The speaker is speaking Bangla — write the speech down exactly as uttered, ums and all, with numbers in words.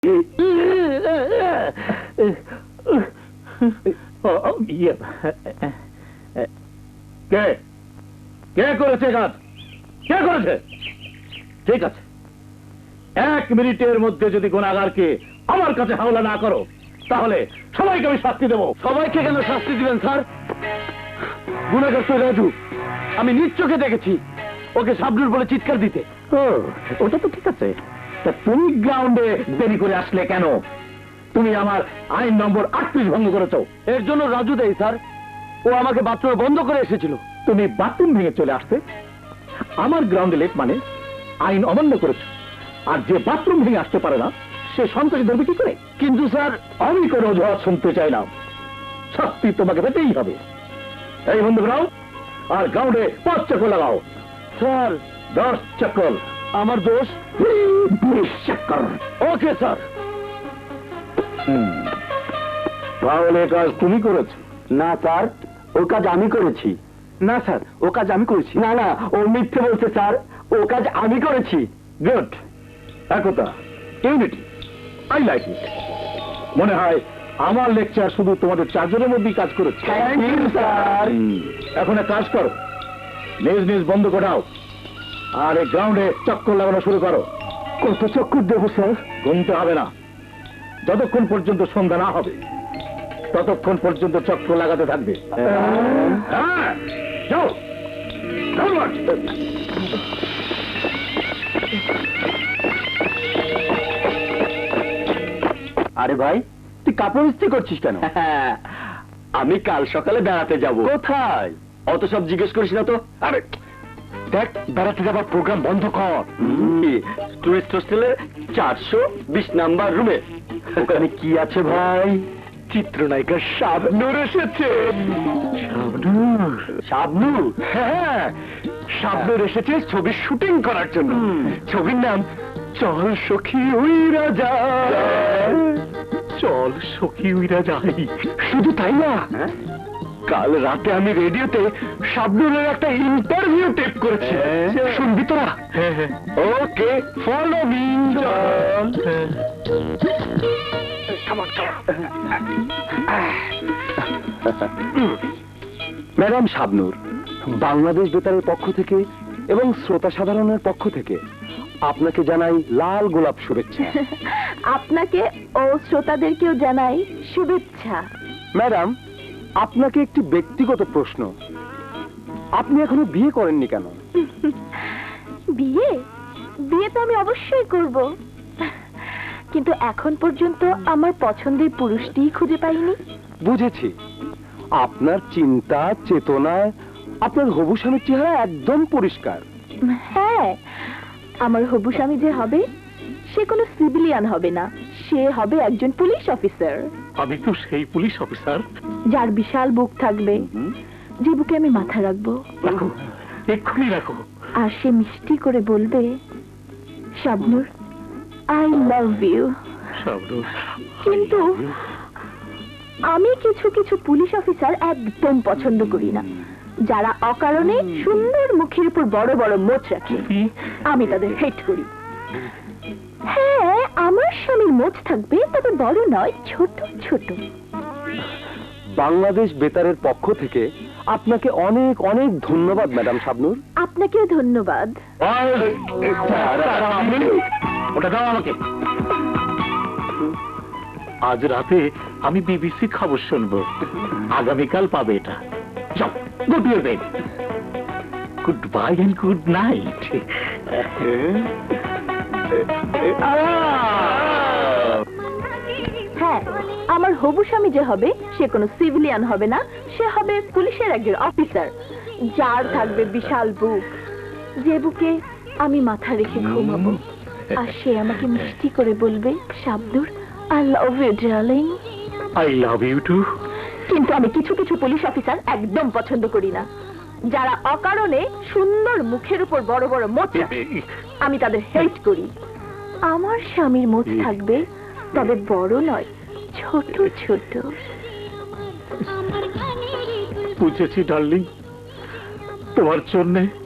কে কে করেছে কাজ? কে করেছে? ঠিক আছে, এক মিনিটের মধ্যে যদি গুনাহগারকে আমার কাছে হাওলা না করো তাহলে সবাইকে আমি শাস্তি দেবো। সবাইকে কেন শাস্তি দিবেন স্যার? গুনাহগার তো রাজু, আমি নিজ চোখে দেখেছি ওকে শাবনুর বলে চিৎকার দিতে। ও, ওটা তো ঠিক আছে, তা তুমি গ্রাউন্ডে দেরি করে আসলে কেন? তুমি আমার আইন নম্বর আটত্রিশ ভঙ্গ করেছো। এর জন্য রাজু দেয় স্যার, ও আমাকে বাথরুমে বন্ধ করে এসেছিল। তুমি বাথরুম ভেঙে চলে আসতে আমার গ্রাউন্ডে লেট মানে আইন অমান্য করেছো। আর যে বাথরুম ভেঙে আসতে পারে না সে সন্ত্রাসী ধরবে কি করে? কিন্তু স্যার, আমি কোনো অজুহাত শুনতে চাই না, শাস্তি তোমাকে পেতেই হবে। এই বন্ধু গ্রাউন্ড আর গ্রাউন্ডে পাঁচ চক্কর লাগাও। স্যার দশ চক্কর। আমার দোষ। বিশ চক্কর। Okay sir. তাহলে কাজ তুমি করেছো? না স্যার, ও কাজ আমি করেছি। না স্যার, ও কাজ আমি করেছি। না না, ও মিথ্যে বলছে স্যার, ও কাজ আমি করেছি। গুড, একতা, ইউনিটি, আই লাইক ইট। মনে হয় আমার লেকচার শুধু তোমাদের চারজনের মধ্যেই কাজ করেছে। Thank you sir. এখন এক কাজ করো, নিজ নিজ বন্ধ করাও আর এই গ্রাউন্ডে চক্কর লাগানো শুরু করো। কত চক্কর দেবো স্যার? গুনতে হবে না, যতক্ষণ পর্যন্ত সন্ধ্যা না হবে ততক্ষণ পর্যন্ত চক্কর লাগাতে থাকবে। হ্যাঁ, যাও। আরে ভাই, তুই কাপড় ইস্ত্রি করছিস কেন? আমি কাল সকালে বেড়াতে যাব। কোথায়? অত সব জিজ্ঞেস করিস না তো। আরে দেখ, বেড়াতে যাবার প্রোগ্রাম বন্ধ কর। টুরিস্ট হোস্টেলের চারশো বিশ নাম্বার রুমে। ওখানে কি আছে ভাই? চিত্রনায়িকা শাবনূর এসেছে। শাবনূর? শাবনূর? হ্যাঁ, শাবনূর এসেছে ছবির শুটিং করার জন্য। ছবির নাম চল সখী উইরা যায়। চল সখী উইরা যাই। শুধু তাই না, কাল রাতে আমি রেডিওতে শাবনূরের একটা ইন্টারভিউ টেপ করেছি। শুনবি তোরা? Okay, follow me. Madam Shabnur, Bangladesh বেতারের পক্ষ থেকে এবং শ্রোতা সাধারণের পক্ষ থেকে আপনাকে জানাই লাল গোলাপ শুভেচ্ছা। আপনাকে ও শ্রোতাদেরকেও জানাই শুভেচ্ছা। ম্যাডাম, আপনাকে একটি ব্যক্তিগত প্রশ্ন, আপনি এখনো বিয়ে করেননি কেন? বিয়ে বিয়ে তো আমি অবশ্যই করব, কিন্তু এখন পর্যন্ত আমার পছন্দের পুরুষটিই খুঁজে পাইনি। বুঝেছি, আপনার চিন্তা চেতনায় আপনার হবু স্বামীর চেহারা একদম পরিষ্কার। হ্যাঁ, আমার হবু স্বামী যে হবে সে কোনো সিভিলিয়ান হবে না, সে হবে একজন পুলিশ অফিসার। আমি তো সেই পুলিশ অফিসার। যার বিশাল বুক থাকবে, যে বুকে আমি মাথা রাখবো। রাখো, এক্ষুনি রাখো। আর সে মিষ্টি করে বলবে, Shabnur, I love you. Shabnur, কিন্তু আমি কিছু কিছু পুলিশ অফিসার একদম পছন্দ করি না, যারা অকারণে সুন্দর মুখের উপর বড় বড় মোচ রাখে। আমি তাদের হেট করি। হ্যাঁ, আমার স্বামীর মোচ থাকবে, তবে বড় নয়, ছোট ছোট। বাংলাদেশ বেতারের পক্ষ থেকে আপনাকে অনেক অনেক ধন্যবাদ ম্যাডাম শাবনূর। আপনাকেও ধন্যবাদ। ওটা দাও আমাকে। আজ রাতে আমি বিবিসি খবর শুনবো, আগামীকাল পাবে এটা। যাও, go to your bed. Good bye and good night. হ্যাঁ, আমার হবু স্বামী যে হবে সে কোনো সিভিলিয়ান হবে না, সে হবে পুলিশের একজন অফিসার, যার থাকবে বিশাল বুক, যে বুকে আমি মাথা রেখে ঘুমাবো। আর সে আমাকে মিষ্টি করে বলবে, Shabnur, I love you darling. I love you too. কিন্তু আমি কিছু কিছু পুলিশ অফিসার একদম পছন্দ করি না, যারা অকারণে সুন্দর মুখের উপর বড় বড় মোচ রাখে। আমি তাদের হেট করি। আমার স্বামীর মোচ থাকবে, তবে বড় নয়, ছোট ছোট। বুঝেছি ডার্লিং, তোমার জন্যে